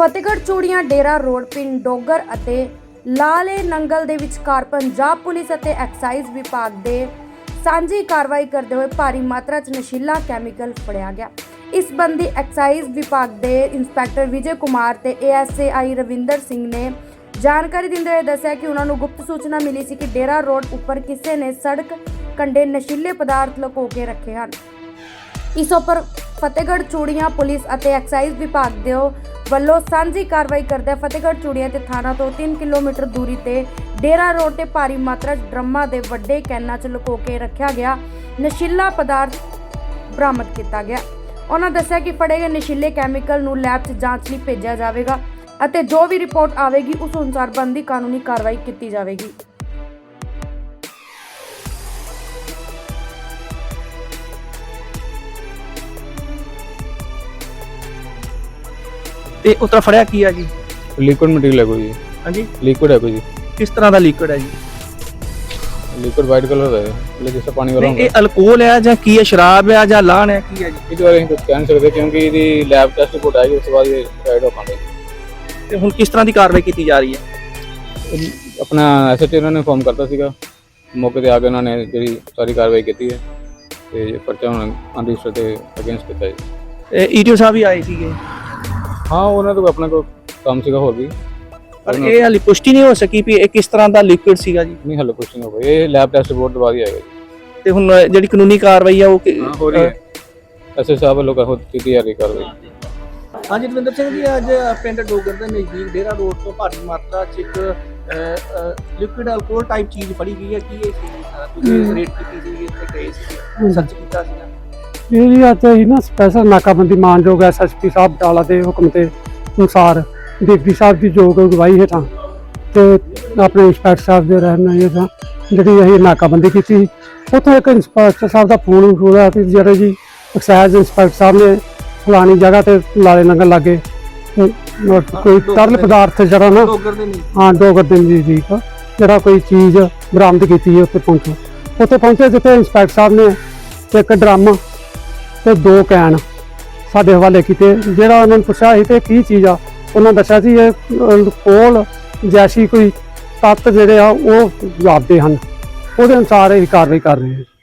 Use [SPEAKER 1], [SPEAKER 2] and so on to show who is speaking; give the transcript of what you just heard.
[SPEAKER 1] ਫਤਿਹਗੜ੍ਹ ਚੂੜੀਆਂ ਡੇਰਾ ਰੋਡ ਪਿੰਡ ਡੋਗਰ ਅਤੇ ਲਾਲੇ ਨੰਗਲ ਦੇ ਵਿਚਕਾਰ ਪੰਜਾਬ ਪੁਲਿਸ ਅਤੇ ਐਕਸਾਈਜ਼ ਵਿਭਾਗ ਦੇ ਸਾਂਝੀ ਕਾਰਵਾਈ ਕਰਦੇ ਹੋਏ ਭਾਰੀ ਮਾਤਰਾ 'ਚ ਨਸ਼ੀਲਾ ਕੈਮੀਕਲ ਫੜਿਆ ਗਿਆ। ਇਸ ਸੰਬੰਧੀ ਐਕਸਾਈਜ਼ ਵਿਭਾਗ ਦੇ ਇੰਸਪੈਕਟਰ ਵਿਜੇ ਕੁਮਾਰ ਤੇ ASAI ਰਵਿੰਦਰ ਸਿੰਘ ਨੇ ਜਾਣਕਾਰੀ ਦਿੰਦੇ ਹੋਏ ਦੱਸਿਆ ਕਿ ਉਹਨਾਂ ਨੂੰ ਗੁਪਤ ਸੂਚਨਾ ਮਿਲੀ ਸੀ ਕਿ ਡੇਰਾ ਰੋਡ ਉੱਪਰ ਕਿਸੇ ਨੇ ਸੜਕ ਕੰਢੇ ਨਸ਼ੀਲੇ ਪਦਾਰਥ ਲੁਕੋ ਕੇ ਰੱਖੇ ਹਨ। ਇਸ ਉੱਪਰ ਫਤਿਹਗੜ੍ਹ ਚੂੜੀਆਂ ਪੁਲਿਸ ਅਤੇ ਐਕਸਾਈਜ਼ ਵਿਭਾਗ ਦੇ ਵੱਲੋਂ ਸਾਂਝੀ ਕਾਰਵਾਈ ਕਰਦੇ ਫਤਿਹਗੜ੍ਹ ਚੂੜੀਆਂ ਤੇ ਥਾਣਾ ਤੋਂ 3 ਕਿਲੋਮੀਟਰ ਦੂਰੀ ਤੇ ਡੇਰਾ ਰੋਡ ਤੇ ਭਾਰੀ ਮਾਤਰਾ 'ਚ ਡਰਮਾਂ ਦੇ ਵੱਡੇ ਕੈਨਾਂ 'ਚ ਲੁਕੋ ਕੇ ਰੱਖਿਆ ਗਿਆ ਨਸ਼ੀਲਾ ਪਦਾਰਥ ਬਰਾਮਦ ਕੀਤਾ ਗਿਆ। ਉਹਨਾਂ ਦੱਸਿਆ ਕਿ ਫੜੇ ਗਏ ਨਸ਼ੀਲੇ ਕੈਮੀਕਲ ਨੂੰ ਲੈਬ 'ਚ ਜਾਂਚ ਲਈ ਭੇਜਿਆ ਜਾਵੇਗਾ ਅਤੇ ਜੋ ਵੀ ਰਿਪੋਰਟ ਆਵੇਗੀ ਉਸ ਅਨੁਸਾਰ ਬਣਦੀ ਕਾਨੂੰਨੀ ਕਾਰਵਾਈ ਕੀਤੀ ਜਾਵੇਗੀ।
[SPEAKER 2] ਤੇ ਉਸ ਤਰ੍ਹਾਂ ਫੜਿਆ ਕੀ ਆ ਜੀ?
[SPEAKER 3] लिक्विड मटेरियल है कोई जी।
[SPEAKER 2] हाँ जी,
[SPEAKER 3] लिक्विड है कोई जी।
[SPEAKER 2] किस तरह का लिक्विड है जी?
[SPEAKER 3] लिक्विड वाइट कलर का है, मतलब जैसे पानी वाला
[SPEAKER 2] नहीं, ये अल्कोहल है या की है, शराब है या लान है की है जी?
[SPEAKER 3] इस बारे कुछ कह नहीं सकते क्योंकि यदि लैब टेस्ट रिपोर्ट आएगी उसके बाद ये गाइड हो पाएंगे।
[SPEAKER 2] ਤੇ ਹੁਣ ਕਿਸ ਤਰ੍ਹਾਂ ਦੀ ਕਾਰਵਾਈ ਕੀਤੀ ਜਾ ਰਹੀ ਹੈ?
[SPEAKER 3] अपना SHO उन्होंने इन्फॉर्म करता सीगा, मौके ते आके उन्होंने जी सारी कार्रवाई की है ते पर्चा हुण अनरजिस्टर्ड ते अगेंस्ट किया जी।
[SPEAKER 2] ਤੇ ਈਟੀਓ ਸਾਹਿਬ ਵੀ ਆਏ ਸੀਗੇ
[SPEAKER 3] हाँ उन्होंने तो अपना कोई काम सीगा होर भी,
[SPEAKER 2] ਪਰ ਇਹ ਹਾਲੇ ਪੁਸ਼ਟੀ ਨਹੀਂ ਹੋ ਸਕੀ ਵੀ ਇਹ ਕਿਸ ਤਰ੍ਹਾਂ ਦਾ ਲਿਕੁਇਡ ਸੀਗਾ ਜੀ।
[SPEAKER 3] नहीं हल्ले कुछ नहीं होगा, ये लैब टेस्ट रिपोर्ट तो बाद ही आएगा जी।
[SPEAKER 2] ਤੇ ਹੁਣ ਜਿਹੜੀ ਕਾਨੂੰਨੀ ਕਾਰਵਾਈ ਆ ਉਹ
[SPEAKER 3] हो रही है SHO साहब लोग खुद की तैयारी कर रहे हैं।
[SPEAKER 2] ਹਾਂਜੀ ਰਵਿੰਦਰ ਸਿੰਘ ਜੀ, ਅੱਜ ਪਿੰਡ ਡੋਗਰ ਦੇ ਨਜ਼ਦੀਕ ਡੇਰਾ ਰੋਡ ਤੋਂ ਭਾਰੀ ਮਾਤਰਾ 'ਚ ਇੱਕ ਲਿਕੁਇਡ ਅਲਕੋਹਲ ਟਾਈਪ ਚੀਜ਼ ਫੜੀ ਗਈ ਹੈ। ਕੀ ਇਹ ਸੀ? ਤੁਸੀਂ ਰੇਟ ਕੀਤੀ ਸੀ, ਇੱਥੇ ਗਏ ਸੀ, ਸਰਚ ਕੀਤਾ ਸੀ?
[SPEAKER 4] ਇਹ ਜੀ ਅੱਜ ਅਸੀਂ ਨਾ ਸਪੈਸ਼ਲ ਨਾਕਾਬੰਦੀ ਮਾਨਯੋਗ SSP ਸਾਹਿਬ ਡਾਲਾ ਦੇ ਹੁਕਮ ਦੇ ਅਨੁਸਾਰ ਡਿਪਟੀ ਸਾਹਿਬ ਦੀ ਯੋਗ ਅਗਵਾਈ ਹੇਠਾਂ ਤੇ ਆਪਣੇ ਇੰਸਪੈਕਟਰ ਸਾਹਿਬ ਦੇ ਰਹਿਨੁਮਾਈ ਹੇਠਾਂ ਜਿਹੜੀ ਅਸੀਂ ਨਾਕਾਬੰਦੀ ਕੀਤੀ। ਉੱਥੋਂ ਇੱਕ ਇੰਸਪੈਕਟਰ ਸਾਹਿਬ ਦਾ ਫੋਨ ਹੋਇਆ ਕਿ ਜਿਹੜੇ ਜੀ ਐਕਸਾਈਜ਼ ਇੰਸਪੈਕਟਰ ਸਾਹਿਬ ਨੇ ਫਲਾਣੀ ਜਗ੍ਹਾ ਤੇ ਲਾਲੇ ਨੰਗਲ ਲਾਗੇ ਕੋਈ ਤਰਲ ਪਦਾਰਥ ਜਿਹੜਾ ਨਾ ਡੋਗਰ ਦੇ ਨਜ਼ਦੀਕ ਜਿਹੜਾ ਕੋਈ ਚੀਜ਼ ਬਰਾਮਦ ਕੀਤੀ ਹੈ। ਉੱਥੇ ਪਹੁੰਚੇ ਜਿੱਥੇ ਇੰਸਪੈਕਟਰ ਸਾਹਿਬ ਨੇ ਇੱਕ ਡਰਮ ਤੇ 2 ਕੈਨ ਸਾਡੇ ਹਵਾਲੇ ਕੀਤੇ। ਜਿਹੜਾ ਉਹਨਾਂ ਨੂੰ ਪੁੱਛਿਆ ਸੀ ਤੇ ਕੀ ਚੀਜ਼ ਆ, ਉਹਨਾਂ ਦੱਸਿਆ ਸੀ ਇਹ ਅਲਕੋਹਲ ਜੈਸੀ ਕੋਈ ਤੱਤ ਜਿਹੜੇ ਆ ਉਹ ਜਾਪਦੇ ਹਨ। ਉਹਦੇ ਅਨੁਸਾਰ ਇਹ ਕਾਰਵਾਈ ਕਰ ਰਹੇ ਹਾਂ।